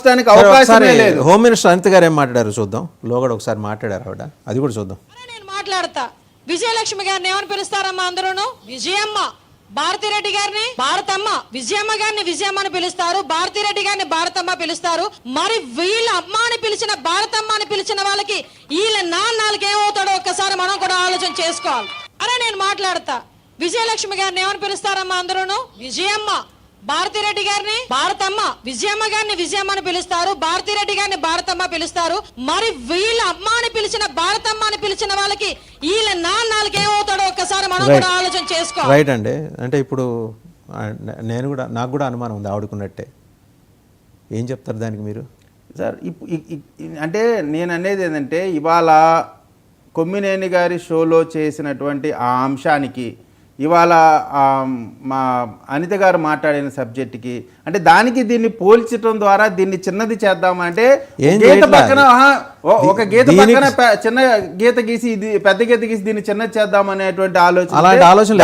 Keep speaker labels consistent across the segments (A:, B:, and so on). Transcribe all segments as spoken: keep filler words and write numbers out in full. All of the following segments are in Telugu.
A: మార్చడానికి అవకాశమే లేదు.
B: హోమ్ మినిస్టర్ అనిత గారు ఏం మాట్లాడారు చూద్దాం. లోగడ ఒకసారి మాట్లాడారు ఆవిడ, అది కూడా చూద్దాం.
C: నేను మాట్లాడతా. విజయలక్ష్మి గారిని ఏమని పిలుస్తారమ్మా అందరూను? విజయమ్మ. భారతిరెడ్డి గారిని భారతమ్మ. విజయమ్మ గారిని విజయమ్మ అని పిలుస్తారు, భారతిరెడ్డి గారిని భారతమ్మ పిలుస్తారు. మరి వీళ్ళ అమ్మ అని పిలిచిన భారతమ్మ అని పిలిచిన వాళ్ళకి వీళ్ళ నాన్నలకి ఏమవుతాడో ఒక్కసారి మనం కూడా ఆలోచన చేసుకోవాలి. అరే నేను మాట్లాడతా. విజయలక్ష్మి గారిని ఏమని పిలుస్తారమ్మా అందరూను? విజయమ్మ. భారతిరెడ్డి గారిని భారతమ్మ. విజయమ్మ గారిని విజయమ్మ అని పిలుస్తారు, భారతిరెడ్డి గారిని భారతమ్మ పిలుస్తారు. మరి వీళ్ళ అమ్మ అని పిలిచిన భారతమ్మ అని పిలిచిన వాళ్ళకి వీళ్ళ నాన్నలకి ఏమవుతాడో ఒక్కసారి మనం కూడా ఆలోచన చేసుకోవాలి.
B: రైట్ అండి. అంటే ఇప్పుడు నేను కూడా, నాకు కూడా అనుమానం ఉంది ఆవిడకున్నట్టే. ఏం చెప్తారు దానికి మీరు?
A: సార్ అంటే నేను అనేది ఏంటంటే, ఇవాళ కొమ్మినేని గారి షోలో చేసినటువంటి ఆ అంశానికి, ఇవాళ మా అనిత గారు మాట్లాడిన సబ్జెక్ట్కి, అంటే దానికి దీన్ని పోల్చడం ద్వారా దీన్ని చిన్నది చేద్దామంటే గీత పక్కన ఒక గీత పక్కన చిన్న గీత గీసి ఇది పెద్ద గీత గీసి దీన్ని చిన్నది చేద్దాం అనేటువంటి ఆలోచన
B: అలాంటి ఆలోచన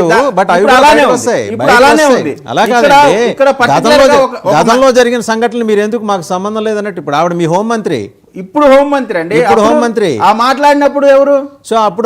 B: అలానే ఉంది. గతంలో జరిగిన సంఘటనలు మీరు ఎందుకు మాకు సంబంధం లేదన్నట్టు ఇప్పుడు ఆవిడ మీ హోంమంత్రి,
A: ఇప్పుడు హోంమంత్రి అండి,
B: ఇప్పుడు హోంమంత్రి
A: ఆ మాట్లాడినప్పుడు ఎవరు?
B: సో అప్పుడు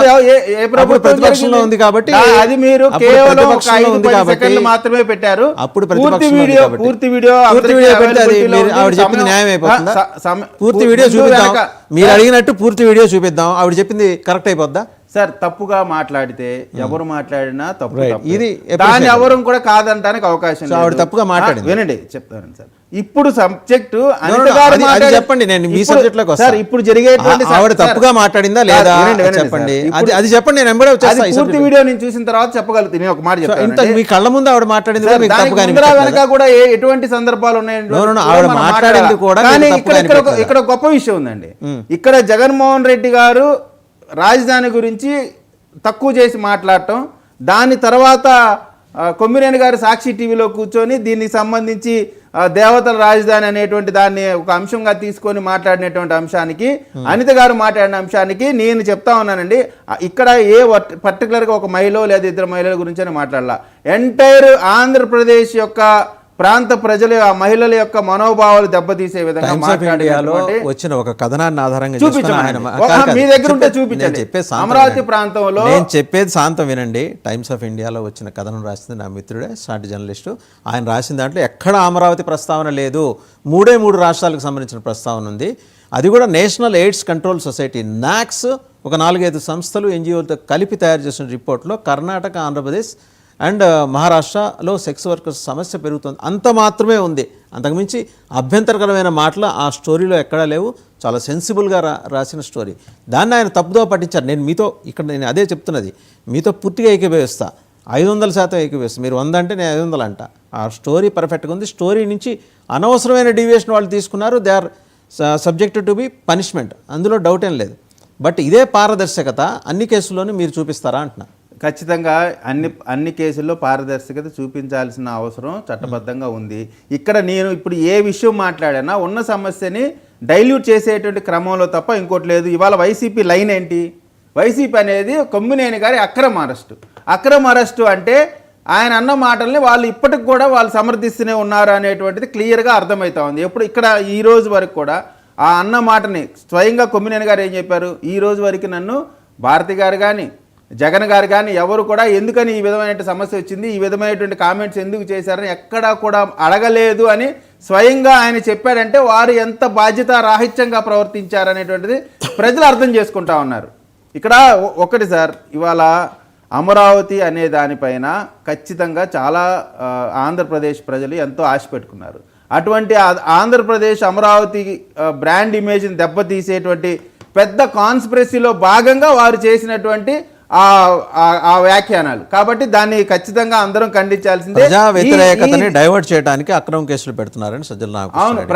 A: ఏ ప్రభుత్వం
B: ప్రతిపక్షంలో ఉంది కాబట్టి
A: అది మీరు కేవలం ఒక ఐదు పది సెకండ్లు మాత్రమే పెట్టారు.
B: అప్పుడు
A: పూర్తి వీడియో పూర్తి వీడియో
B: పూర్తి వీడియో పెడితే అది ఆవిడ చెప్పింది న్యాయం అయిపోతుందా? పూర్తి వీడియో చూపిద్దాం, మీరు అడిగినట్టు పూర్తి వీడియో చూపిద్దాం, ఆవిడ చెప్పింది కరెక్ట్ అయిపోద్దా?
A: సార్ తప్పుగా మాట్లాడితే ఎవరు మాట్లాడినా తప్పు,
B: ఇది
A: దాన్ని ఎవరు కూడా కాదంటానికి అవకాశం
B: ఆవిడ తప్పుగా మాట్లాడింది.
A: వినండి చెప్తాను సార్. ఇప్పుడు సబ్జెక్టు
B: చెప్పండి, నేను మీ సబ్జెక్ట్ లోకి
A: వస్తాను. ఇప్పుడు జరిగేటువంటి
B: ఆవిడ తప్పుగా మాట్లాడిందా లేదా చెప్పండి, అది చెప్పండి. నేను ఎంబడే వచ్చేస్తాను.
A: పూర్తి వీడియో నేను చూసిన తర్వాత చెప్పగలుగుతాను. నేను ఒక మాట చెప్తాను.
B: మీ కళ్ళ ముందు ఆవిడ మాట్లాడింది
A: వెనక కూడా ఎటువంటి సందర్భాలు ఉన్నాయండి
B: ఆవిడ మాట్లాడింది కూడా.
A: కానీ ఇక్కడ ఇక్కడ గొప్ప విషయం ఉందండి. ఇక్కడ జగన్మోహన్ రెడ్డి గారు రాజధాని గురించి తక్కువ చేసి మాట్లాడటం, దాని తర్వాత కొమ్మినేని గారు సాక్షి టీవీలో కూర్చొని దీనికి సంబంధించి దేవతల రాజధాని అనేటువంటి దాన్ని ఒక అంశంగా తీసుకొని మాట్లాడినటువంటి అంశానికి, అనిత గారు మాట్లాడిన అంశానికి నేను చెప్తా ఉన్నానండి, ఇక్కడ ఏ పర్టికులర్గా ఒక మహిళ లేదా ఇద్దరు మహిళల గురించి మాట్లాడాల, ఎంటైర్ ఆంధ్రప్రదేశ్ యొక్క ప్రాంత ప్రజల ఆ మహిళల యొక్క మనోభావాలు దెబ్బతీసే విధంగా
B: వచ్చిన ఒక కథనాన్ని ఆధారంగా
A: మీ దగ్గర ఉంటే చూపించండి. అమరావతి ప్రాంతంలో
B: నేను చెప్పేది శాంతం వినండి. టైమ్స్ ఆఫ్ ఇండియాలో వచ్చిన కథనం రాసింది నా మిత్రుడే, సాటి జర్నలిస్టు. ఆయన రాసిన దాంట్లో ఎక్కడ అమరావతి ప్రస్తావన లేదు, మూడే మూడు రాష్ట్రాలకు సంబంధించిన ప్రస్తావన ఉంది. అది కూడా నేషనల్ ఎయిడ్స్ కంట్రోల్ సొసైటీ నాక్స్ ఒక నాలుగైదు సంస్థలు ఎన్జిఓలతో కలిపి తయారు చేసిన రిపోర్ట్లో కర్ణాటక, ఆంధ్రప్రదేశ్ అండ్ మహారాష్ట్రలో సెక్స్ వర్కర్స్ సమస్య పెరుగుతుంది అంత మాత్రమే ఉంది. అంతకుమించి అభ్యంతరకరమైన మాటలు ఆ స్టోరీలో ఎక్కడా లేవు. చాలా సెన్సిబుల్గా రా రాసిన స్టోరీ. దాన్ని ఆయన తప్పుదో పట్టించారు. నేను మీతో ఇక్కడ నేను అదే చెప్తున్నది, మీతో పూర్తిగా ఏకీభవిస్తా, ఐదు వందల శాతం ఏకీభవిస్తా. మీరు వంద అంటే నేను ఐదు వందలు అంట. ఆ స్టోరీ పర్ఫెక్ట్గా ఉంది. స్టోరీ నుంచి అనవసరమైన డీవియేషన్ వాళ్ళు తీసుకున్నారు. They are subject to be punishment, అందులో డౌట్ ఏం లేదు. బట్ ఇదే పారదర్శకత అన్ని కేసుల్లోనూ మీరు చూపిస్తారా అంటున్నా.
A: ఖచ్చితంగా అన్ని అన్ని కేసుల్లో పారదర్శకత చూపించాల్సిన అవసరం చట్టబద్ధంగా ఉంది. ఇక్కడ నేను ఇప్పుడు ఏ విషయం మాట్లాడానా ఉన్న సమస్యని డైల్యూట్ చేసేటువంటి క్రమంలో తప్ప ఇంకోటి లేదు. ఇవాళ వైసీపీ లైన్ ఏంటి? వైసీపీ అనేది కొమ్మినేని గారి అక్రమ అరెస్టు. అక్రమ అరెస్టు అంటే ఆయన అన్న మాటల్ని వాళ్ళు ఇప్పటికి కూడా వాళ్ళు సమర్థిస్తూనే ఉన్నారు అనేటువంటిది క్లియర్గా అర్థమవుతా ఉంది. ఎప్పుడు ఇక్కడ ఈ రోజు వరకు కూడా ఆ అన్న మాటని స్వయంగా కొమ్మినేని గారు ఏం చెప్పారు, ఈ రోజు వరకు నన్ను భారతి గారు కానీ జగన్ గారు కానీ ఎవరు కూడా ఎందుకని ఈ విధమైన సమస్య వచ్చింది, ఈ విధమైనటువంటి కామెంట్స్ ఎందుకు చేశారని ఎక్కడా కూడా అడగలేదు అని స్వయంగా ఆయన చెప్పాడంటే వారు ఎంత బాధ్యత రాహిత్యంగా ప్రవర్తించారనేటువంటిది ప్రజలు అర్థం చేసుకుంటా ఉన్నారు. ఇక్కడ ఒకటి సార్, ఇవాళ అమరావతి అనే దానిపైన ఖచ్చితంగా చాలా ఆంధ్రప్రదేశ్ ప్రజలు ఎంతో ఆశ పెట్టుకున్నారు. అటువంటి ఆంధ్రప్రదేశ్ అమరావతి బ్రాండ్ ఇమేజ్ని దెబ్బతీసేటువంటి పెద్ద కాన్స్పిరసీలో భాగంగా వారు చేసినటువంటి ఆ వ్యాఖ్యానాలు. కాబట్టి దాన్ని ఖచ్చితంగా అందరం ఖండించాల్సిందే.
B: ప్రజా వ్యతిరేకతని డైవర్ట్ చేయడానికి అక్రమ కేసులు పెడుతున్నారని సజ్జల నాగకృష్ణ.